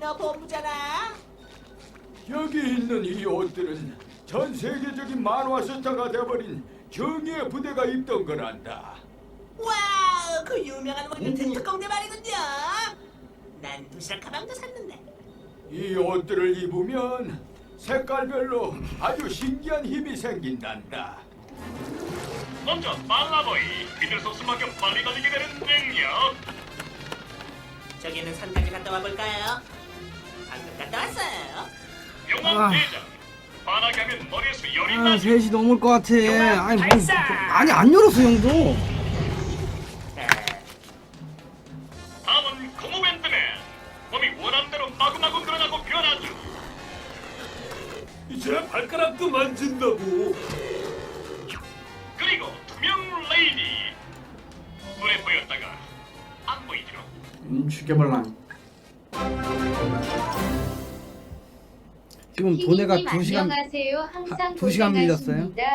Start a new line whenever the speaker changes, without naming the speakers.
너 본부잖아.
여기 있는 이 옷들은 전 세계적인 만화 스타가 돼버린 정의의 부대가 입던 거란다.
와우, 그 유명한 월드튼 특공대 말이군요. 난 도시락 가방도 샀는데.
이 옷들을 입으면 색깔별로 아주 신기한 힘이 생긴단다.
먼저 빨라보이 믿을 수 없을 만큼 빨리 달리게 되는 능력.
저기는 산까지 갔다 와볼까요? 방금 갔다 왔어요.
용암 대장. 반하게 하면 머리에서 열이
아
나지.
3시 넘을 것 같아. 아니 뭐
발사!
아니 안 열었어 형도.
다음은 고무밴드맨. 몸이 원한대로 마구마구 늘어나고 변하죠.
이제 발가락도 만진다고.
그리고 투명 레이디. 눈에 보였다가 안 보이죠.
죽여볼라. 지금 도네가
피디님
2시간
안녕하세요. 항상
2시간 밀렸어요?
고생하십니다.